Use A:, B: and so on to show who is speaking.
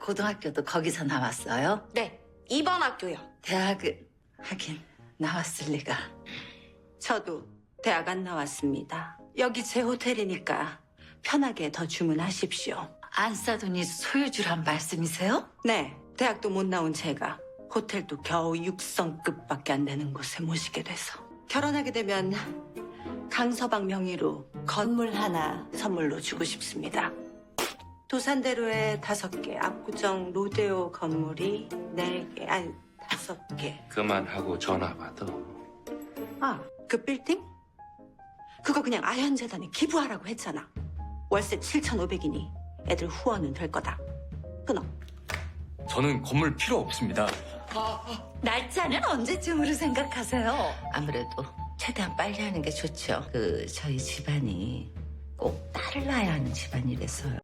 A: 고등학교도 거기서 나왔어요?
B: 네, 이번 학교요.
A: 대학은 하긴 나왔을 리가.
C: 저도 대학 안 나왔습니다. 여기 제 호텔이니까 편하게 더 주문하십시오.
A: 안 싸더니 소유주란 말씀이세요?
C: 네, 대학도 못 나온 제가 호텔도 겨우 6성급밖에 안 되는 곳에 모시게 돼서 결혼하게 되면 강서방 명의로 건물 하나 선물로 주고 싶습니다. 도산대로에 5개, 압구정 로데오 건물이 4개, 아니 5개.
D: 그만하고 전화 받아.
C: 아, 그 빌딩? 그거 그냥 아현재단에 기부하라고 했잖아. 월세 7,500이니 애들 후원은 될 거다. 끊어.
E: 저는 건물 필요 없습니다.
A: 날짜는 언제쯤으로 생각하세요? 아무래도 최대한 빨리 하는 게 좋죠. 저희 집안이 꼭 딸을 낳아야 하는 집안이라서요.